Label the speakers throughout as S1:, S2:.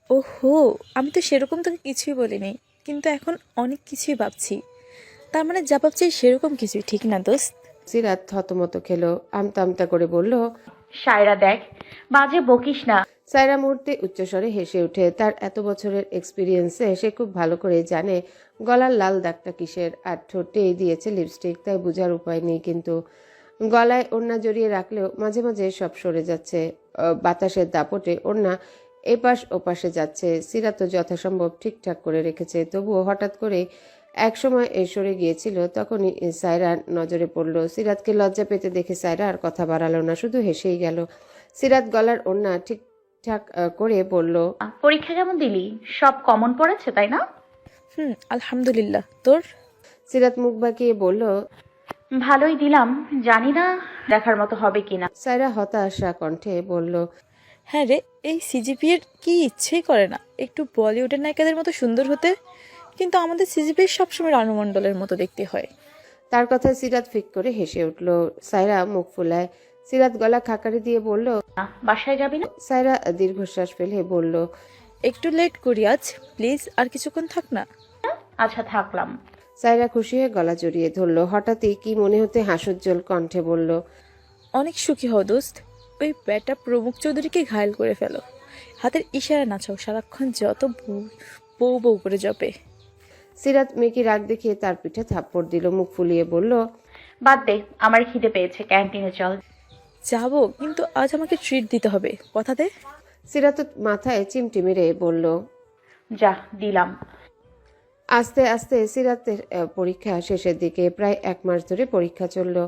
S1: ওহো, আমি তো সেরকম তোকে কিছুই বলিনি, কিন্তু এখন অনেক কিছুই ভাবছি। তার মানে যা ভাবছি সেরকম কিছুই, ঠিক না দোস্ত?
S2: সিরাত থতমত খেলো, আমতা আমতা করে বলল।
S3: সায়রা দেখ, বাজে বকিস না।
S2: সায়রা মুহূর্তে উচ্চস্বরে হেসে ওঠে। তার এত বছরের এক্সপিরিয়েন্সে সে খুব ভালো করে জানে গলার লাল দাগটা কিসের, আর ঠোঁটেই দিয়েছে লিপস্টিক, তাই বোঝার উপায় নেই। কিন্তু গলায় ওড়না জড়িয়ে রাখলেও মাঝে মাঝে সব সরে যাচ্ছে। বাতাসের দাপটে ওড়না এপাশ ওপাশে যাচ্ছে। সিরাত যথাসম্ভব ঠিকঠাক করে রেখেছে, তবুও হঠাৎ করে এক সময় সরে গিয়েছিল। তখনই সায়রার নজরে পড়ল। সিরাতকে লজ্জা পেতে দেখে সায়রা আর কথা বাড়ালো না, শুধু হেসেই গেল। সিরাত গলার ওড়না ঠিকঠাক করে বলল।
S3: পরীক্ষা কেমন দিলি? সব কমন পড়েছে তাই না?
S1: আলহামদুলিল্লাহ, তোর?
S2: সিরাত মুখ বাঁকিয়ে বলল।
S3: ভালোই দিলাম, জানি না দেখার মতো হবে কিনা।
S2: সায়রা হতাশা কণ্ঠে বলল।
S1: হ্যাঁ রে, এই সিজিপিএর কি ইচ্ছেই করে না একটু বলিউডের নায়িকাদের মতো সুন্দর হতে, কিন্তু আমাদের সিজিপিএ সবসময় রণমণ্ডলের মতো দেখতে হয়।
S2: তার কথায় সিরাত ফিক করে হেসে উঠল। সায়রা মুখ ফুলায়। সিরাত গলা খাকারি দিয়ে বলল।
S3: বাসায় যাবি না?
S2: সায়রা দীর্ঘশ্বাস ফেলে বলল।
S1: একটু লেট করি আজ, প্লিজ আর কিছুক্ষণ থাক না।
S3: আচ্ছা, থাকলাম।
S2: সায়রা খুশি হয়ে গলা জড়িয়ে ধরল। হঠাৎই কি মনে হতে হাস্যোজ্জ্বল কণ্ঠে বলল।
S1: অনেক সুখী হও দোস্ত, ওই ব্যাটা প্রমুখ চৌধুরীকে ঘায়েল করে ফেলো। হাতের ইশারা নাচাও, সারাক্ষণ যত বউ বউ বউ করে জপে।
S2: সিরাত মেকি রাগ দেখিয়ে তার পিঠে থাপ্পড় দিল। মুখ ফুলিয়ে বলল।
S3: বাদ দে, আমার খিদে পেয়েছে, ক্যান্টিনে চল।
S1: যাবো, কিন্তু আজ আমাকে ট্রিট দিতে হবে, কথা দে।
S2: সিরাত মাথায় চিমটি মেরে বলল।
S3: যা, দিলাম।
S2: আস্তে আস্তে সিরাতের পরীক্ষা শেষের দিকে। প্রায় এক মাস ধরে পরীক্ষা চলল।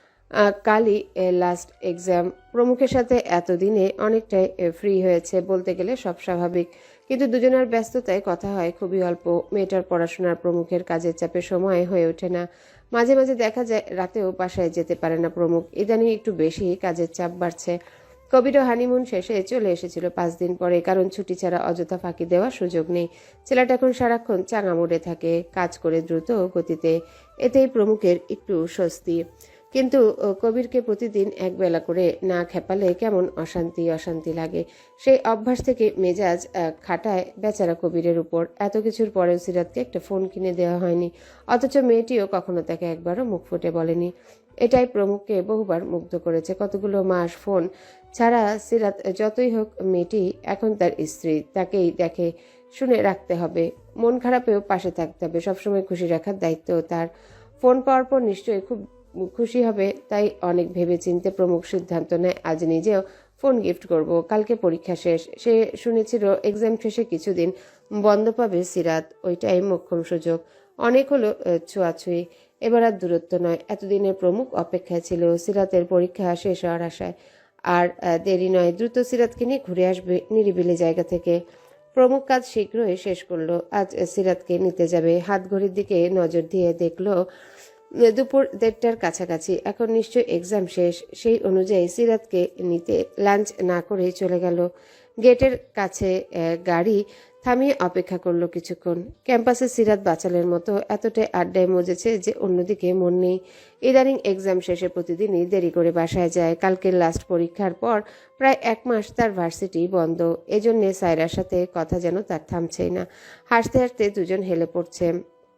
S2: কালই লাস্ট এক্সাম। প্রমুখের সাথে এতদিনে অনেকটাই ফ্রি হয়েছে, বলতে গেলে সব স্বাভাবিক। কিন্তু দুজনের ব্যস্ততায় কথা হয় খুবই অল্প। মেয়েটার পড়াশোনার, প্রমুখের কাজের চাপে সময় হয়ে ওঠে না। মাঝে মাঝে দেখা যায় রাতেও বাসায় যেতে পারে না প্রমুখ। ইদানিং একটু বেশি কাজের চাপ বাড়ছে। কবিরও হানিমুন শেষে চলে এসেছিল 5 দিন পরে, কারণ ছুটি ছাড়া অযথা ফাঁকি দেওয়ার সুযোগ নেই। ছেলেটা এখন সারাক্ষণ চাঙা মোড়ে থাকে, কাজ করে দ্রুত গতিতে। এতেই প্রমুখের একটু স্বস্তি। কিন্তু কবিরকে প্রতিদিন একবেলা করে না খেপালে কেমন অশান্তি অশান্তি লাগে। সেই অভ্যাস থেকে মেজাজ খাটায় বেচারা কবিরের উপর। এত কিছুর পরেও সিরাতকে একটা ফোন কিনে দেওয়া হয়নি, অথচ মেয়েটিও কখনো তাকে একবারও মুখ ফুটে বলেনি। এটাই প্রমুখকে বহুবার মুগ্ধ করেছে। কতগুলো মাস ফোন ছাড়া সিরাত যতই হোক মেয়েটি এখন তার স্ত্রী, তাকেই দেখে শুনে রাখতে হবে। মন খারাপেও পাশে থাকতে হবে, সবসময় খুশি রাখার দায়িত্ব তার। ফোন পাওয়ার পর নিশ্চয়ই খুব খুশি হবে, তাই অনেক ভেবেচিন্তে প্রমুখ সিদ্ধান্ত নেয় আজ নিজেও ফোন গিফট করব। কালকে পরীক্ষা শেষ। সে শুনেছিল এক্সাম শেষে কিছুদিন বন্ধ পাবে সিরাত, ওইটাই মোক্ষম সুযোগ। অনেক হলো ছোঁয়াছুঁই, এবার আর দূরত্ব নয়। এতদিনের প্রমুখ অপেক্ষায় ছিল সিরাতের পরীক্ষা শেষ হওয়ার আশায়। আর দেরি নয়, দ্রুত সিরাতকে নিয়ে ঘুরে আসবে নিরিবিলি জায়গা থেকে। প্রমুখ কাজ শীঘ্রই শেষ করলো। আজ সিরাতকে নিতে যাবে। হাত ঘড়ির দিকে নজর দিয়ে দেখলো দুপুর 1:30টার কাছাকাছি। এখন নিশ্চয় এক্সাম শেষ। সেই অনুযায়ী সিরাতকে নিতে লাঞ্চ না করেই চলে গেল। গেটের কাছে গাড়ি থামিয়ে অপেক্ষা করলো কিছুক্ষণ। ক্যাম্পাসে সিরাত বাচালের মতো এতটাই আড্ডায় মজেছে যে অন্যদিকে মন নেই। ইদানিং এক্সাম শেষে প্রতিদিনই দেরি করে বাসায় যায়। কালকের লাস্ট পরীক্ষার পর প্রায় এক মাস তার ভার্সিটি বন্ধ। এজন্যে সায়রার সাথে কথা যেন তার থামছেই না। হাসতে হাসতে দুজন হেলে পড়ছে।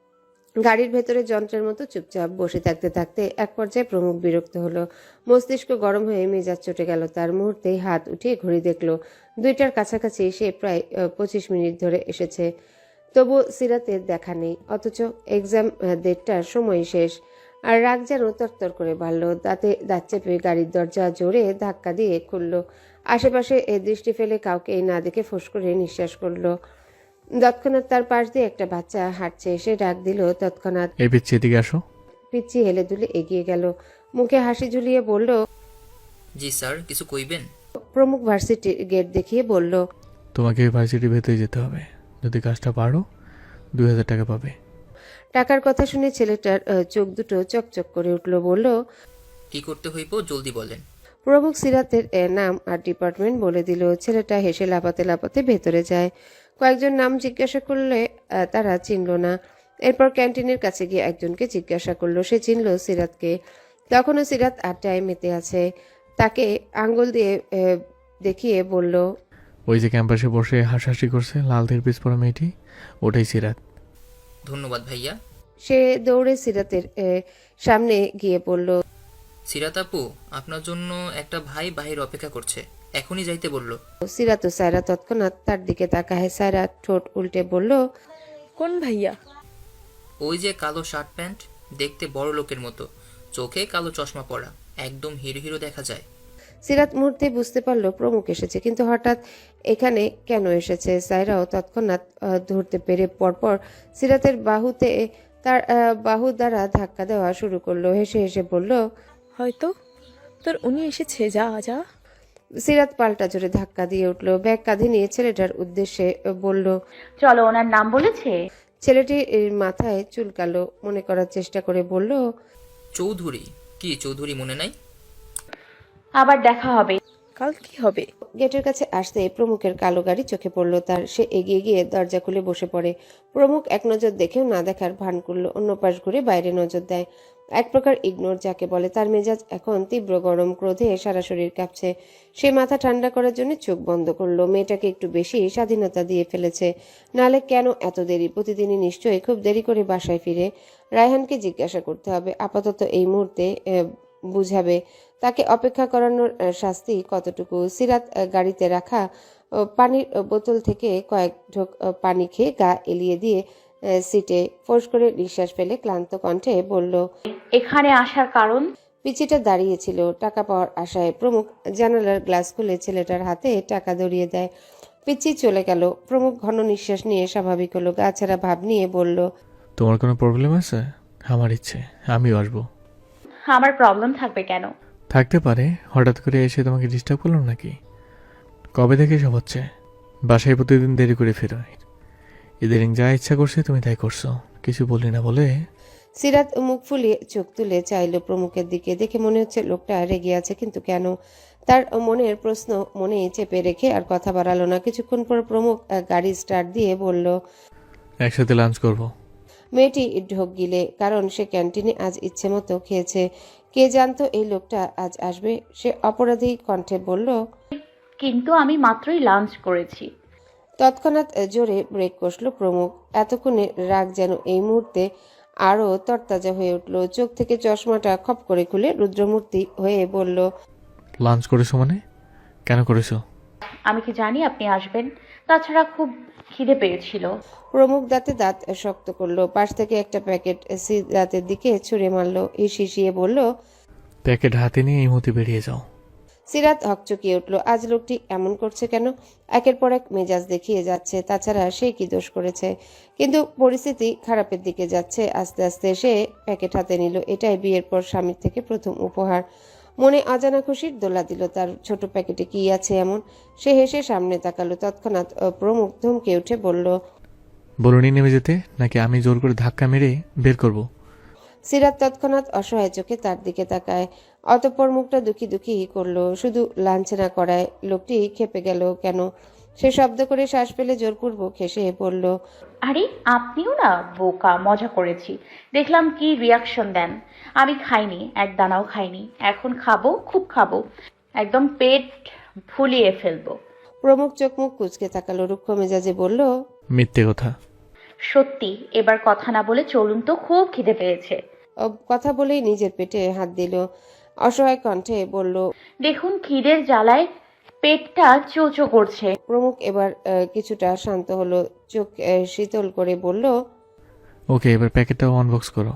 S2: গাড়ির ভেতরে যন্ত্রের মতো চুপচাপ বসে থাকতে থাকতে এক পর্যায়ে প্রমুখ বিরক্ত হলো। মস্তিষ্ক গরম হয়ে মেজাজ চটে গেল তার। মুহূর্তেই হাত উঠিয়ে ঘড়ি দেখলো 2টার কাছাকাছি। সে প্রায় 25 মিনিট ধরে এসেছে, তবু সিরাতের দেখা নেই। অথচ এক্সাম 1:30টার সময় শেষ। আর রাগ যেন তরতর করে বাড়ল। দাঁতে দাঁত চেপে গাড়ির দরজা জোরে ধাক্কা দিয়ে খুলল। আশেপাশে দৃষ্টি ফেলে কাউকে না দেখে ফোঁস করে নিঃশ্বাস করলো। তৎক্ষণাৎ তার পাশ দিয়ে একটা বাচ্চা হাঁটছে। সে ডাক দিল তৎক্ষণাৎ।
S4: এই পিচ্ছি, এদিকে আসো।
S2: পিচ্ছি হেলে দুলে এগিয়ে গেল, মুখে হাসি ঝুলিয়ে বলল।
S5: জি স্যার, কিছু কইবেন?
S2: প্রমুখ ভার্সিটির গেট দেখিয়ে বলল।
S4: তোমাকে ভার্সিটির ভেতরে যেতে হবে। যদি কাজটা পারো 2000 টাকা পাবে।
S2: টাকার কথা শুনে ছেলেটার চোখ দুটো চকচক করে উঠল। বলল।
S5: কি করতে হইব জলদি বলেন।
S2: প্রমুখ সিরাতের নাম আর ডিপার্টমেন্ট বলে দিল। ছেলেটা হেসে লাপাতে লাপাতে ভেতরে যায়। কয়েকজন নাম জিজ্ঞাসা করলে তারা চিনল না। এরপর ক্যান্টিনের কাছে গিয়ে একজনকে জিজ্ঞাসা করলো। সে চিনল সিরাতকে। তখনও সিরাত আড্ডায় মেতে আছে। তাকে আঙ্গুল দিয়ে দেখিয়ে বলল।
S4: ওই যে ক্যাম্পাসে বসে হাসাহাসি করছে লাল পিস পরা মেয়েটি, ওটাই সিরাত।
S5: ধন্যবাদ ভাইয়া।
S2: সে দৌড়ে সিরাতের সামনে গিয়ে বলল,
S5: সিরাত আপু, আপনার জন্য একটা ভাই বাহির অপেক্ষা করছে, এখনই যাইতে বলল।
S2: সিরাত ও সায়রা তৎক্ষণাৎ তার দিকে তাকায়। সায়রা ঠোঁট উল্টে বলল,
S1: কোন ভাইয়া?
S5: ওই যে কালো শার্ট প্যান্ট, দেখতে বড় লোকের মতো, চোখে কালো চশমা পরা, একদম হিরো হিরো দেখা যায়।
S2: সিরাত মুহূর্তে বুঝতে পারল প্রমুখ এসেছে, কিন্তু হঠাৎ এখানে কেন এসেছে। সায়রাও তৎক্ষণাৎ ধরতে পেরে পরপর সিরাতের বাহুতে তার বাহু দ্বারা ধাক্কা দেওয়া শুরু করলো। হেসে হেসে বলল,
S1: হয়তো তোর উনি এসেছে, যা যা।
S2: সিরাত পাল্টা জোরে ধাক্কা দিয়ে উঠল। ব্যাগ কাঁধে নিয়ে ছেলেটার উদ্দেশ্যে বলল।
S3: চলো, ওনার নাম বলেছে?
S2: ছেলেটি মাথায় চুলকালো, মনে করার চেষ্টা করে বলল,
S5: চৌধুরী। কি চৌধুরী মনে নাই?
S3: আবার দেখা হবে।
S1: কাল কি হবে?
S2: গেটের কাছে আসতে প্রমুখের কালো গাড়ি চোখে পড়ল তার। সে এগিয়ে গিয়ে দরজা খুলে বসে পড়ে। প্রমুখ এক নজর দেখেও না দেখার ভান করল, অন্য পাশ ঘুরে বাইরে নজর দেয়। এক প্রকার ইগনোর যাকে বলে। তার মেজাজ এখন তীব্র গরম, ক্রোধে সারা শরীর কাঁপছে। সে মাথা ঠান্ডা করার জন্য চোখ বন্ধ করলো। মেয়েটাকে একটু বেশি স্বাধীনতা দিয়ে ফেলেছে, নালে কেন এত দেরি? প্রতিদিনই নিশ্চয়ই খুব দেরি করে বাসায় ফিরে। রায়হানকে জিজ্ঞাসা করতে হবে, আপাতত এই মুহূর্তে বুঝাবে তাকে অপেক্ষা করানোর শাস্তি কতটুকু। সিরাত গাড়িতে রাখা পানির বোতল থেকে কয়েক ঢোক পানি খেয়ে গা এলিয়ে দিয়ে সিটে ফোঁস করে নিঃশ্বাস ফেলে ক্লান্ত কণ্ঠে বলল,
S3: এখানে আসার কারণ?
S2: পিচিটা দাঁড়িয়েছিল টাকা পাওয়ার আশায়। প্রমুখ জানালার গ্লাস খুলে ছেলেটার হাতে টাকা ধরিয়ে দেয়। পিচি চলে গেল। প্রমুখ ঘন নিঃশ্বাস নিয়ে স্বাভাবিক হলো, গা ছাড়া ভাব নিয়ে বলল,
S4: তোমার কোনো প্রবলেম আছে? আমার ইচ্ছে, আমিও আসবো।
S3: আমার প্রবলেম থাকবে কেন?
S4: থাকতে পারে, হঠাৎ করে এসে তোমাকে ডিস্টার্ব করলাম নাকি? কবে থেকে সব হচ্ছে? বাসায় প্রতিদিন দেরি করে ফেরো, ইদানিং যা ইচ্ছা করছে তুমি তাই করছো, কিছু বলি না বলে।
S2: সিরাত মুখ ফুলিয়ে চোখ তুলে চাইল প্রমুখের দিকে। দেখে মনে হচ্ছে লোকটা রেগে আছে, কিন্তু কেন? তার মনের প্রশ্ন মনে চেপে রেখে আর কথা বাড়ালো না। কিছুক্ষণ পর প্রমুখ গাড়ি স্টার্ট দিয়ে বলল,
S4: একসাথে লাঞ্চ করব।
S2: মেয়েটি ঢোক গিলে, কারণ সে ক্যান্টিনে আজ ইচ্ছে মতো খেয়েছে। কে জানতো এই লোকটা আজ আসবে। সে অপরাধী কণ্ঠে বলল,
S3: কিন্তু আমি মাত্রই লাঞ্চ করেছি।
S2: তৎক্ষণাৎ জোরে ব্রেক কষল প্রমুখ। এতক্ষণে রাগ যেন এই মুহূর্তে আরো তরতাজা হয়ে উঠল। চোখ থেকে চশমাটা খপ করে খুলে রুদ্রমূর্তি হয়ে বলল,
S4: লাঞ্চ করেছো মানে? কেন করেছো?
S3: আমি কি জানি আপনি আসবেন? তাছাড়া খুব খিদে পেয়েছিল।
S2: প্রমুখ দাঁতে দাঁত শক্ত করলো। পাশ থেকে একটা প্যাকেট সিগারেটের দিকে ছুঁড়ে মারলো। হিসিয়ে বলল,
S4: প্যাকেট হাতে নিয়ে এই মুহূর্তে বেরিয়ে যাও।
S2: সিরাত হকচকিয়ে উঠল। আজ লোকটি এমন করছে কেন? একের পর এক মেজাজ দেখিয়ে যাচ্ছে। তাছাড়া সে কি দোষ করেছে? কিন্তু পরিস্থিতি খারাপের দিকে যাচ্ছে। আস্তে আস্তে সে প্যাকেট হাতে নিল। এটাই বিয়ের পর স্বামীর থেকে প্রথম উপহার। মনে অজানা খুশির দোলা দিল। তার ছোট প্যাকেটে কি আছে এমন? সে হেসে সামনে তাকালো। তৎক্ষণাৎ প্রমুখ ধমকে উঠে বলল,
S4: বলুনি নেমে যেতে, নাকি আমি জোর করে ধাক্কা মেরে বের করব?
S2: সিরাত তৎক্ষণাৎ অসহায় চোখে তার দিকে তাকায়। অতঃপর মুখটা দুঃখী দুঃখী করলো। শুধু লাঞ্ছনা করায় লোকটি খেপে গেল কেন? সে শব্দ করে শ্বাস ফেলে জোরপূর্বক হেসে বলল,
S3: আরে আপনিও না বোকা, মজা করেছি। দেখলাম কি রিয়াকশন দেন। আমি খাইনি, এক দানাও খাইনি। এখন খাবো, খুব খাবো, একদম পেট ফুলিয়ে ফেলবো।
S2: প্রমুখ চোখ মুখ কুচকে তাকালো। রুক্ষ মেজাজে বলল,
S4: মিথ্যে কথা।
S3: সত্যি, এবার কথা না বলে চলুন তো, খুব খিদে পেয়েছে।
S2: কথা বলেই নিজের পেটে হাত দিল। অসহায় কণ্ঠে বলল,
S3: দেখুন খিদের জ্বালায় পেটটা চোচো করছে।
S2: প্রমুখ এবার কিছুটা শান্ত হলো। চোখ শীতল করে বলল,
S4: ওকে, এবার প্যাকেটটাও আনবক্স করো।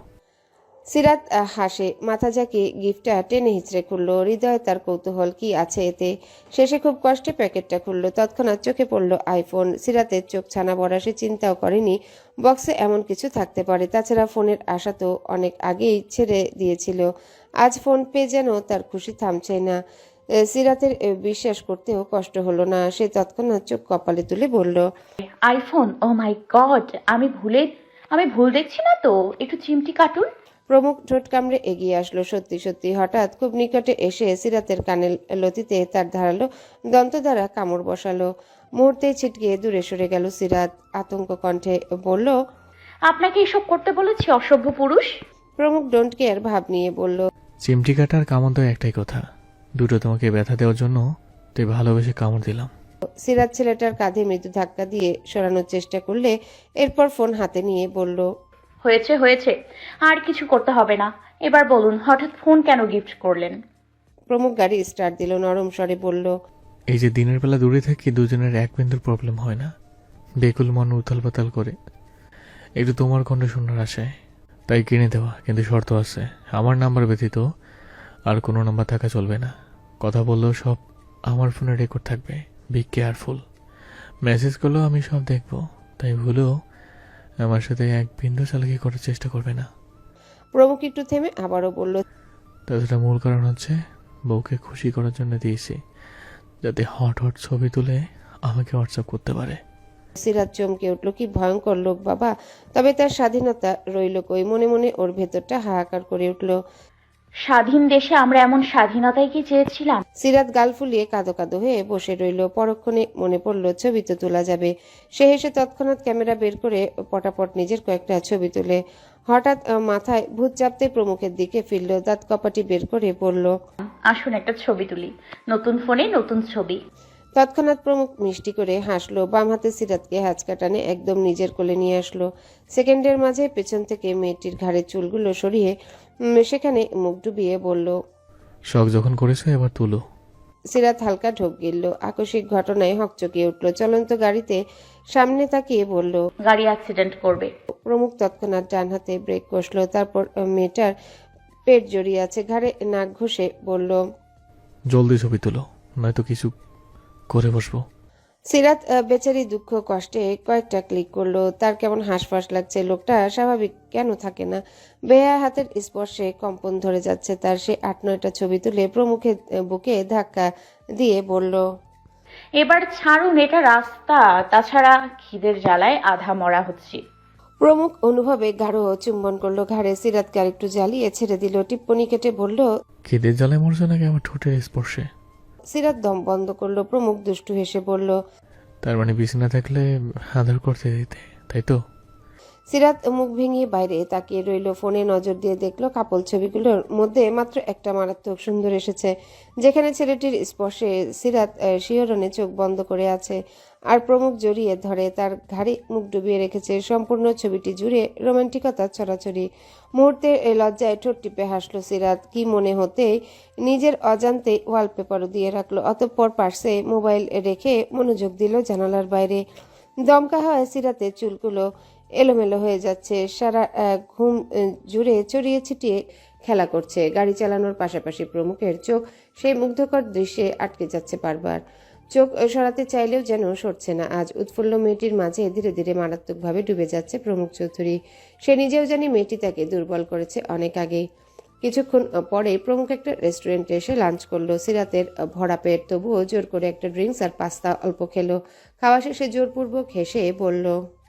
S2: সিরাত হাসে, মাথা ঝাঁকিয়ে গিফটটা টেনে হিচড়ে খুললো। হৃদয়ে তার কৌতূহল, কি আছে এতে? শেষে খুব কষ্টে প্যাকেটটা খুললো। তৎক্ষণাৎ চোখে পড়ল আইফোন। সিরাতের চোখ ছানা বড়া। সে চিন্তাও করেনি বক্সে এমন কিছু থাকতে পারে। তাছাড়া ফোনের আশা তো অনেক আগেই ছেড়ে দিয়েছিল। আজ ফোন পেয়ে যেন তার খুশি থামছে না। সিরাতের বিশ্বাস করতেও কষ্ট হলো না। সে তৎক্ষণাৎ চোখ কপালে তুলে বলল,
S3: আইফোন? ও মাই গড, আমি ভুল দেখছি না তো? একটু চিমটি কাটুন।
S2: প্রমুখ ঠোঁট কামড়ে এগিয়ে আসলো। সত্যি সত্যি হঠাৎ খুব নিকটে এসে সিরাতের কানের লতিতে তার ধারালো দন্ত দ্বারা কামড় বসালো। মুহূর্তেই ছিটকে দূরে সরে গেল সিরাত। আতঙ্ক কণ্ঠে বলল,
S3: আপনাকে এসব করতে বলেছি, অসভ্য পুরুষ।
S2: প্রমুখ ডোন্ট কেয়ার ভাব নিয়ে বলল,
S4: চিমটি কাটার কামড় দেওয়া একটাই কথা, দুটো তোমাকে ব্যথা দেওয়ার জন্য তাই ভালোবেসে কামড় দিলাম।
S2: সিরাত ছেলেটার কাঁধে মৃদু ধাক্কা দিয়ে সরানোর চেষ্টা করলে এরপর ফোন হাতে নিয়ে বলল,
S3: হয়েছে হয়েছে, আর কিছু করতে হবে না। এবার বলুন, হঠাৎ ফোন কেন গিফট করলেন?
S2: প্রমুখ গাড়ি স্টার্ট দিল, নরম স্বরে বলল,
S4: এই যে দিনের বেলা দূরে থাকি, দুজনের এক বিন্দুর প্রবলেম হয় না। বেকুল মন উথাল পাতাল করে একটু তোমার কণ্ঠ শোনার আশায় তাই কিনে দেওয়া, কিন্তু শর্ত আছে। আমার নাম্বার ব্যতীত আর কোনো নাম্বার থাকা চলবে না। কথা বললেও সব আমার ফোনে রেকর্ড থাকবে। Be careful. মেসেজ করলেও আমি সব দেখব, তাই ভুলেও আমার সাথে এক বিন্দু চালাকি করার চেষ্টা করবে না।
S2: প্রমুখ একটু থেমে আবারও বলল,
S4: তাছাড়া মূল কারণ হচ্ছে বউকে খুশি করার জন্য দিয়েছি, যাতে হট হট ছবি তুলে আমাকে হোয়াটসঅ্যাপ করতে পারে।
S2: সিরাত চমকে উঠল, কি ভয়ঙ্কর লোক বাবা। তবে তার স্বাধীনতা রইল কই? মনে মনে ওর ভেতরটা হাহাকার করে উঠল।
S3: স্বাধীন দেশে আমরা এমন স্বাধীনতাই কি চেয়েছিলাম?
S2: সিরাত গাল ফুলিয়ে কাঁদো কাঁদো হয়ে বসে রইল। পরক্ষণে মনে পড়ল ছবি তো তোলা যাবে। সে হেসে তৎক্ষণাৎ ক্যামেরা বের করে পটাপট নিজের কয়েকটা ছবি তুলে হঠাৎ মাথায় ভূত চাপতে প্রমুখের দিকে ফিরল। দাঁত কপাটি বের করে বলল,
S3: আসুন একটা ছবি তুলি, নতুন ফোনে নতুন ছবি।
S2: তৎক্ষণাৎ প্রমুখ মিষ্টি করে হাসলো। বাম হাতে সিরাতকে হ্যাচকা টানে একদম নিজের কোলে নিয়ে আসলো। সেকেন্ডের মাঝে পেছন থেকে মেয়েটির ঘাড়ের চুলগুলো সরিয়ে সেখানে মুখ ডুবিয়ে বলল,
S4: শখ যখন করেছো এবার তুলো।
S2: সিরাত হালকা ঢোক গিলল। আকস্মিক ঘটনায় হকচকিয়ে উঠল। চলন্ত গাড়িতে সামনে তাকিয়ে বলল,
S3: গাড়ি অ্যাক্সিডেন্ট করবে।
S2: প্রমুখ তৎক্ষণাৎ ডান হাতে ব্রেক কষলো। তারপর মেয়েটার পেট জড়িয়ে আছে, ঘাড়ে নাক ঘষে বলল,
S4: জলদি ছবি তুলো, নয়তো কিছু করে বসবো।
S2: সিরাত বেচারি দুঃখ কষ্টে কয়েকটা ক্লিক করলো। তার কেমন হাঁসফাঁস লাগছে। লোকটা স্বাভাবিক কেন থাকে না? বেয়া হাতের স্পর্শে কম্পন ধরে যাচ্ছে তার। সে 8-9টা ছবি তুলে প্রমুখের বুকে ধাক্কা দিয়ে বলল,
S3: এবার ছাড়ুন, এটা রাস্তা। তাছাড়া খিদের জ্বালায় আধা মরা হচ্ছি।
S2: প্রমুখ অনুভবে গাঢ় চুম্বন করলো ঘাড়ে। সিরাতকে আরেকটু জ্বালিয়ে ছেড়ে দিল। টিপ্পনি কেটে বলল,
S4: খিদের জ্বালায় মরছো নাকি আমার ঠোঁটের স্পর্শে?
S2: সিরাত দম বন্ধ করলো। প্রমুখ দুষ্টু হেসে বলল,
S4: তার মানে বিছানা থাকলে আদর করতে দিতে, তাই তো?
S2: সিরাত মুখ ভেঙে বাইরে তাকিয়ে রইল। ফোনে নজর দিয়ে দেখলো কাপল ছবিগুলোর মধ্যে মাত্র একটা মারাত্মক সুন্দর এসেছে, যেখানে ছেলেটির স্পর্শে সিরাত শিহরণে চোখ বন্ধ করে আছে আর প্রমুখ জড়িয়ে ধরে তার ঘাড়ে মুখ ডুবিয়ে রেখেছে। সম্পূর্ণ ছবিটি জুড়ে রোমান্টিকতা ছড়াছড়ি। মুহূর্তে লজ্জায় ঠোঁট টিপে হাসলো সিরাত। কি মনে হতেই নিজের অজান্তে ওয়ালপেপারও দিয়ে রাখলো। অতঃপর পার্শ্বে মোবাইল রেখে মনোযোগ দিল জানালার বাইরে। দমকা হয় সিরাতের চুলগুলো এলোমেলো হয়ে যাচ্ছে, সারা ঘুম জুড়ে চড়িয়ে ছিটিয়ে খেলা করছে। গাড়ি চালানোর পাশাপাশি প্রমুখের চোখ সেই মুগ্ধকর দৃশ্যে আটকে যাচ্ছে বারবার। চোখ সরাতে চাইলেও যেন সরছে না। আজ উৎফুল্ল মেয়েটির মাঝে ধীরে ধীরে মারাত্মকভাবে ডুবে যাচ্ছে প্রমুখ চৌধুরী। সে নিজেও জানি মেয়েটি তাকে দুর্বল করেছে অনেক আগেই। কিছুক্ষণ পরে প্রমুখ একটা রেস্টুরেন্টে এসে লাঞ্চ করলো। সিরাতের ভরা পেট, তবুও জোর করে একটা ড্রিঙ্কস আর পাস্তা অল্প খেলো। খাওয়া শেষে জোরপূর্বক হেসে বলল,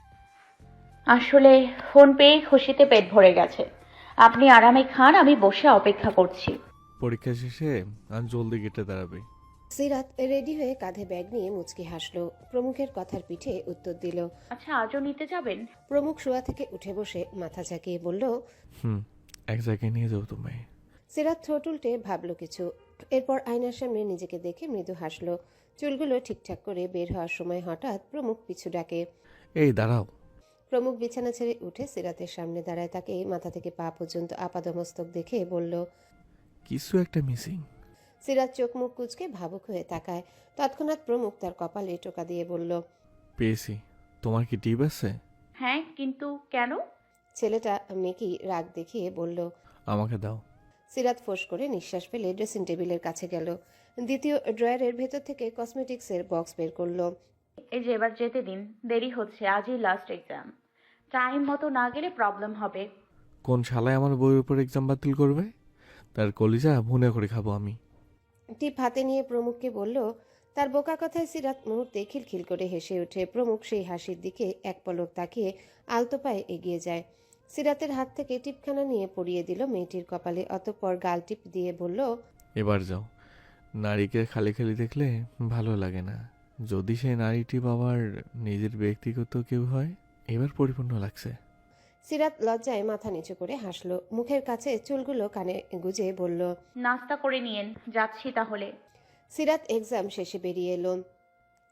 S3: আসলে ফোন পেয়ে খুশিতে পেট ভরে গেছে। আপনি আরামে খান, আমি বসে অপেক্ষা করছি।
S4: পরীক্ষা শেষে আর জলদি গেটে দাঁড়াবে।
S2: সিরাত রেডি হয়ে কাঁধে ব্যাগ নিয়ে মুচকি হাসলো। প্রমুখের কথার পিঠে উত্তর দিল।
S3: আচ্ছা, আজও নিতে যাবেন?
S2: প্রমুখ শোয়া থেকে উঠে বসে মাথা ঝাঁকিয়ে বলল,
S4: এক জায়গায় নিয়ে যাও তোমায়।
S2: সিরাত ঠোঁট উল্টে ভাবল কিছু। এরপর আয়নার সামনে নিজেকে দেখে মৃদু হাসলো। চুলগুলো ঠিকঠাক করে বের হওয়ার সময় হঠাৎ প্রমুখ পিছু ডাকে।
S4: এই দাঁড়াও।
S2: প্রমুখ বিছানা ছেড়ে উঠে সিরাতের সামনে দাঁড়ায়। তাকে মাথা থেকে পা পর্যন্ত আপাদমস্তক দেখে বলল,
S4: কিছু একটা মিসিং।
S2: সিরাত চোখ মুখ কুঁচকে ভাবুক হয়ে তাকায়। তৎক্ষণাৎ প্রমুখ তার কপালে টোকা দিয়ে বলল,
S4: পেয়েছি। তোমার কি টিপ আছে?
S3: হ্যাঁ, কিন্তু কেন?
S2: ছেলেটা মেকি রাগ দেখিয়ে বলল।
S4: আমাকে দাও।
S2: সিরাত ফোঁস করে নিঃশ্বাস ফেলে ড্রেসিং টেবিলের কাছে গেল। দ্বিতীয় ড্রয়ারের ভেতর থেকে কসমেটিক্সের বক্স বের করলো।
S3: এই যে এবার যেতে দিন, দেরি হচ্ছে, আজই লাস্ট এক্সাম। টাইম মতো না গেলে প্রবলেম হবে।
S4: কোন শালায় আমার বইয়ের উপর এক্সাম বাতিল করবে? তার কলিজা ভুনে করে খাবো আমি।
S2: টিপ হাতে নিয়ে প্রমুখকে বলল। তার বোকা কথায় সিরাত মুহূর্তে খিলখিল করে হেসে ওঠে। প্রমুখ সেই হাসির দিকে এক পলক তাকিয়ে আলতো পায়ে এগিয়ে যায়। সিরাতের হাত থেকে টিপখানা নিয়ে পরিয়ে দিল মেয়েটির কপালে। অতঃপর গাল টিপ দিয়ে বলল,
S4: এবার যাও। নারীকে খালি খালি দেখলে ভালো লাগে না। যদি সেই নারীটি বাবার নিজের ব্যক্তিগত কেউ হয়, এবার পরিপূর্ণ লাগছে।
S2: সিরাত লজ্জায় মাথা নিচু করে হাসলো। মুখের কাছে চুলগুলো কানে গুজে বলল,
S3: নাস্তা করে নিয়েন, যাচ্ছি তাহলে।
S2: সিরাত এক্সাম শেষে বেরিয়ে এলো।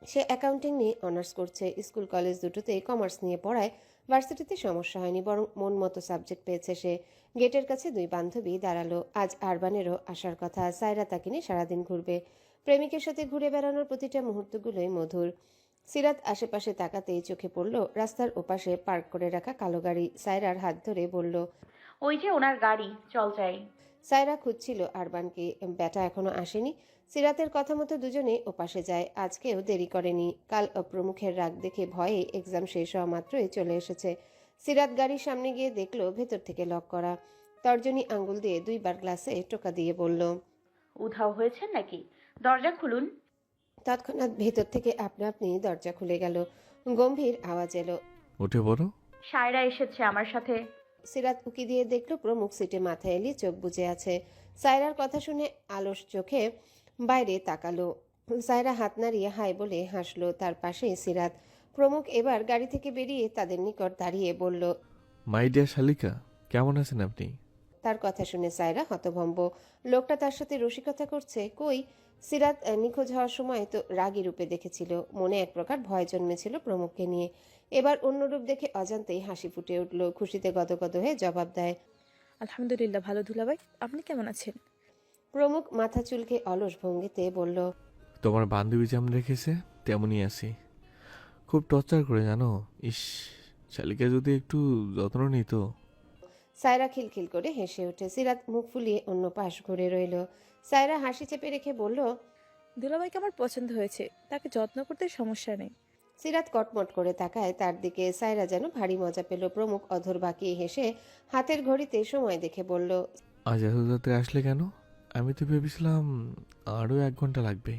S2: সে অ্যাকাউন্টিং নিয়ে অনার্স করছে। স্কুল কলেজ দুটোতেই কমার্স নিয়ে পড়ায় ভার্সিটিতে সমস্যা হয়নি, বরং মন মতো সাবজেক্ট পেয়েছে সে। গেটের কাছে দুই বান্ধবী দাঁড়ালো। আজ আরবানেরও আসার কথা। সায়রা তাকে নিয়ে সারাদিন ঘুরবে। প্রেমিকের সাথে ঘুরে বেড়ানোর প্রতিটা মুহূর্তগুলোই মধুর। সিরাত আশেপাশে তাকাতেই চোখে পড়ল রাস্তার ওপাশে পার্ক করে রাখা কালো গাড়ি। সায়রার হাত ধরে বলল,
S3: ওই যে ওনার গাড়ি, চল যাই।
S2: সায়রা খুঁজছিল আরবানকে, ব্যাটা এখনো আসেনি। সিরাতের কথা মতো দুজনে ওপাশে যায়। আজকেও দেরি করেনি। কাল প্রমুখের রাগ দেখে ভয়ে এক্সাম শেষ হওয়া মাত্রই চলে এসেছে। সিরাত গাড়ির সামনে গিয়ে দেখলো ভেতর থেকে লক করা। তর্জনী আঙ্গুল দিয়ে দুইবার গ্লাসে টোকা দিয়ে বলল,
S3: উধাও হয়েছেন নাকি? দরজা খুলুন।
S2: তৎক্ষণাৎ ভেতর থেকে আপনা আপনি দরজা খুলে গেল। গম্ভীর আওয়াজ এলো।
S4: উঠে পড়ো।
S3: সায়রা এসেছে আমার সাথে।
S2: সিরাত উকি দিয়ে দেখলো প্রমুখ সিটে মাথা এলিয়ে চোখ বুজে আছে। সায়রার কথা শুনে আলস চোখে বাইরে তাকালো। সায়রা হাত নাড়িয়ে হাই বলে হাসলো। তার পাশে সিরাত। প্রমুখ এবার গাড়ি থেকে বেরিয়ে তাদের নিকট দাঁড়িয়ে বলল,
S4: মাই ডিয়ার শালিকা, কেমন আছেন আপনি?
S2: তার কথা শুনে সায়রা হতভম্ব। লোকটা তার সাথে রসিকতা করছে? কই, সিরাত নিখোঁজ হওয়ার সময় তো রাগী রূপে দেখেছিল। মনে এক প্রকার ভয় জন্মেছিল প্রমুখকে নিয়ে। এবার অন্য রূপ দেখে অজান্তেই হাসি ফুটে উঠল। খুশিতে গদগদ হয়ে জবাব দেয়,
S1: আলহামদুলিল্লাহ ভালো দুলাভাই, আপনি কেমন আছেন?
S2: প্রমুখ মাথা চুলকে অলস ভঙ্গিতে বলল,
S4: তোমার বান্ধবী যেমন রেখেছে তেমনই আছি। খুব টর্চার করে জানো। ইস, শালিকা যদি একটু যত্ন নিত।
S2: সায়রা খিলখিল করে হেসে ওঠে। সিরাত মুখ ফুলিয়ে অন্য পাশ ঘুরে রইল। সায়রা হাসি চেপে রেখে বলল,
S1: দুলাভাইকে আমার পছন্দ হয়েছে, তাকে যত্ন করতে সমস্যা নেই।
S2: সিরাত কটমট করে তাকায় তার দিকে। সায়রা যেন ভারী মজা পেল। প্রমুখ অধর বাঁকিয়ে হেসে হাতের ঘড়িতে সময় দেখে বলল,
S4: আজ এত রাতে আসলে কেন? আমি তো ভেবেছিলাম আরও 1 ঘন্টা লাগবে।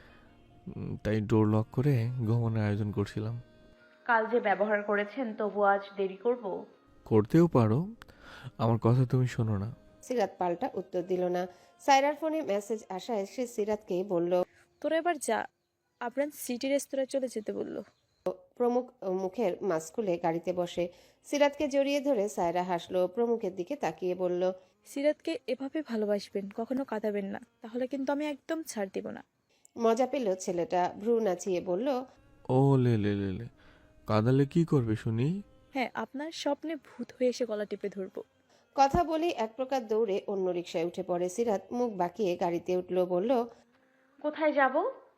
S4: তাই ডোর লক করে ঘুমানোর আয়োজন করছিলাম।
S3: কাল যে ব্যবহার করেছেন, তবু আজ দেরি করব?
S4: করতেও পারো, আমার কথা তুমি শোনো না।
S2: সিরাত পাল্টা উত্তর দিল না। সায়রার ফোনে মেসেজ আসায় সে সিরাতকে বলল,
S1: তোরা এবার যা, আপনার সিটি রেস্তোরাঁয় চলে যেতে বললো।
S2: প্রমুখ মুখের মাস্ক খুলে গাড়িতে বসে। সিরাতকে জড়িয়ে ধরে সায়রা হাসলো। প্রমুখের দিকে তাকিয়ে বলল,
S1: সিরাতকে এভাবে ভালোবাসবেন, কখনো কাঁদাবেন না, তাহলে কিন্তু আমি একদম ছাড় দিব না।
S2: মজা পেল ছেলেটা। ভ্রু নাচিয়ে বলল,
S4: ও লে লে লে লে, কাঁদালে কি করবে শুনি?
S1: হ্যাঁ, আপনার স্বপ্নে ভূত হয়ে এসে গলা টিপে ধরবো।
S2: কথা বলেই এক প্রকার দৌড়ে অন্য রিকশায় উঠে পড়ে। সিরাত মুখ বাঁকিয়ে গাড়িতে উঠল। বলল,
S3: কোথায় যাব?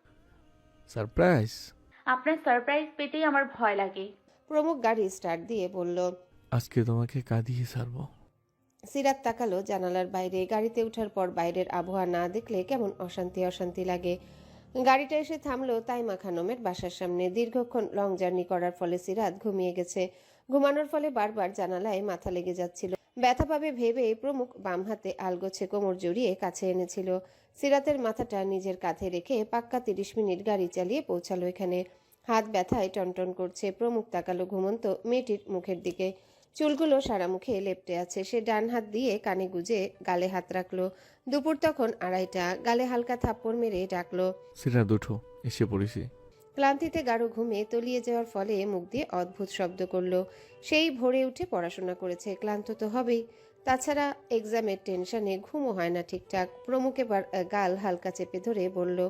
S4: সারপ্রাইজ।
S3: আপনার সারপ্রাইজ পেতেই আমার ভয় লাগে।
S2: প্রমুখ গাড়ি স্টার্ট দিয়ে বলল।
S4: আজকে তোমাকে কাঁদিয়ে ছাড়বো।
S2: সিরাত তাকালো জানালার বাইরে। গাড়িতে ওঠার পর বাইরের আবহাওয়া না দেখলে কেমন অশান্তি অশান্তি লাগে। গাড়িটা এসে থামলো তাইমা খানমের বাসার সামনে। দীর্ঘক্ষণ লং জার্নি করার ফলে সিরাত ঘুমিয়ে গেছে। ঘুমানোর ফলে বারবার জানালায় মাথা লেগে যাচ্ছিল। ব্যথা পাবে ভেবে প্রমুখ বাম হাতে আলগোছে কোমর জড়িয়ে কাছে এনেছিল। সিরাতের মাথাটা নিজের কাঁধে রেখে পাক্কা 30 মিনিট গাড়ি চালিয়ে পৌঁছালো এখানে। হাত ব্যথায় টনটন করছে। প্রমুখ তাকালো ঘুমন্ত মেয়েটির মুখের দিকে। চুলগুলো সারা মুখে লেপ্টে আছে। সে ডান হাত দিয়ে কানে গুজে গালে হাত রাখলো। দুপুর তখন 2:30। গালে হালকা থাপ্পড় মেরে ডাকলো,
S4: সিরাত উঠো, এসে পড়েছি।
S2: ক্লান্তিতে গাঢ় ঘুমে তলিয়ে যাওয়ার ফলে মুখ দিয়ে অদ্ভুত শব্দ করলো। সেই ভোরে উঠে পড়াশোনা করেছে, ক্লান্ত তো হবেই। তাছাড়া এক্সামের টেনশনে ঘুমও হয় না ঠিকঠাক। প্রমুখ এবার গাল হালকা চেপে ধরে বলল,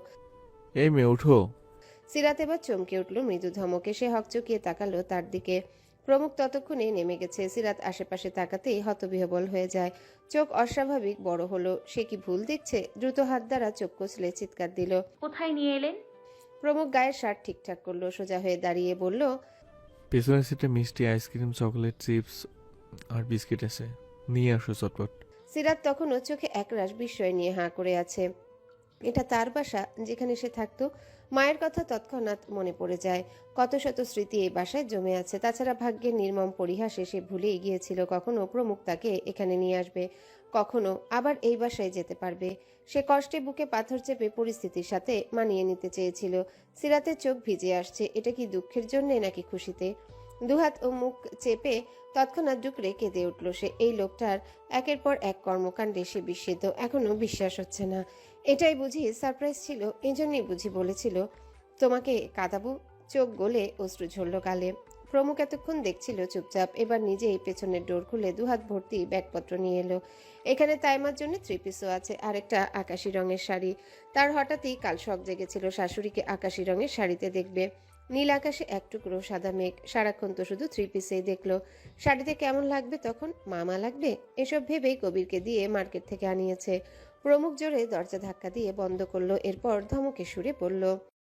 S4: এই মেয়ে উঠো।
S2: সিরাত এবার চমকে উঠল মৃদু ধমকে। সে হকচকিয়ে তাকালো তার দিকে। প্রমুখ ততক্ষণে নেমে গেছে। সিরাত আশেপাশে তাকাতেই হতবিহবল হয়ে যায়। চোখ অস্বাভাবিক বড় হলো। সে কি ভুল দেখছে? দ্রুত হাত দ্বারা চোখ কচলে চিৎকার দিল।
S3: কোথায় নিয়ে এলেন?
S2: প্রমুখ গায়ের শার্ট ঠিকঠাক করলো। সোজা হয়ে দাঁড়িয়ে বলল,
S4: পেছনের সিটে মিষ্টি, আইসক্রিম, চকলেট, চিপস আর বিস্কিট আছে, নিয়ে আসো চটপট।
S2: সিরাত তখনও চোখে একরাশ বিস্ময় নিয়ে হাঁ করে আছে। এটা তার বাসা, যেখানে সে থাকতো। মায়ের কথা তৎক্ষণাৎ মনে পড়ে যায়। কত শত স্মৃতি এই বাসায় জমে আছে। তাছাড়া ভাগ্যের নির্মম পরিহাসে সে ভুলেই গিয়েছিল কখনো প্রমুখ তাকে এখানে নিয়ে আসবে, কখনো আবার এই বাসায় যেতে পারবে। সে কষ্টে বুকে পাথর চেপে পরিস্থিতির সাথে মানিয়ে নিতে চেয়েছিল। সিরাতের চোখ ভিজে আসছে। এটা কি দুঃখের জন্যে নাকি খুশিতে? দুহাত ও মুখ চেপে তৎক্ষণাৎ ডুকরে কেঁদে উঠল সে। এই লোকটার একের পর এক কর্মকাণ্ডে সে বিস্মিত। এখনো বিশ্বাস হচ্ছে না। এটাই বুঝি সারপ্রাইজ ছিল? এজন্যই বুঝি বলেছিল তোমাকে কাঁদাবো? চোখ গলে অশ্রু ঝরল গালে। প্রমুখ এতক্ষণ দেখছিল চুপচাপ, এবার নিজেই পেছনের ডোর খুলে দুহাত ভর্তি ব্যাগপত্র নিয়ে এলো। এখানে তাইমার জন্য 3 পিসও আছে, আরেকটা আকাশি রঙের শাড়ি। তার হঠাৎই কাল শখ জেগেছিল শাশুড়িকে আকাশি রঙের শাড়িতে দেখবে। নীল আকাশে এক টুকরো সাদা মেঘ, সারাক্ষণ তো শুধু 3 পিসেই দেখলো। শাড়িতে কেমন লাগবে তখন? মামা লাগবে, এসব ভেবেই কবিরকে দিয়ে মার্কেট থেকে আনিয়েছে। প্রমুখ জোরে দরজা ধাক্কা দিয়ে বন্ধ করলো, এরপর ধমকে সুরে বলল,